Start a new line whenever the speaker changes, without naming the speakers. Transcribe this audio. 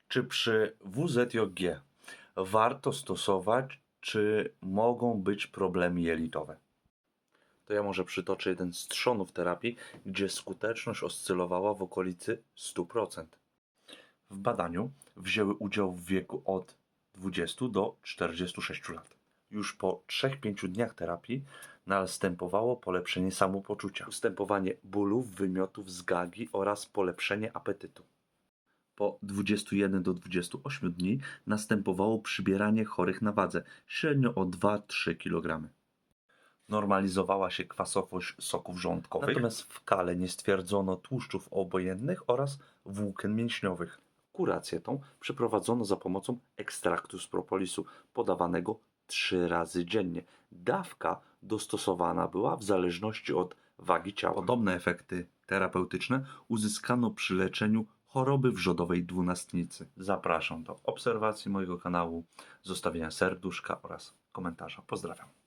Czy przy WZJG warto stosować, czy mogą być problemy jelitowe? To ja może przytoczę jeden z trzonów terapii, gdzie skuteczność oscylowała w okolicy 100%. W badaniu wzięły udział w wieku od 20 do 46 lat. Już po 3-5 dniach terapii następowało polepszenie samopoczucia, ustępowanie bólów, wymiotów, zgagi oraz polepszenie apetytu. Po 21 do 28 dni następowało przybieranie chorych na wadze, średnio o 2-3 kg. Normalizowała się kwasowość soków żołądkowych, natomiast w kale nie stwierdzono tłuszczów obojętnych oraz włókien mięśniowych. Kurację tą przeprowadzono za pomocą ekstraktu z propolisu, podawanego 3 razy dziennie. Dawka dostosowana była w zależności od wagi ciała. Podobne efekty terapeutyczne uzyskano przy leczeniu choroby wrzodowej dwunastnicy. Zapraszam do obserwacji mojego kanału, zostawienia serduszka oraz komentarza. Pozdrawiam.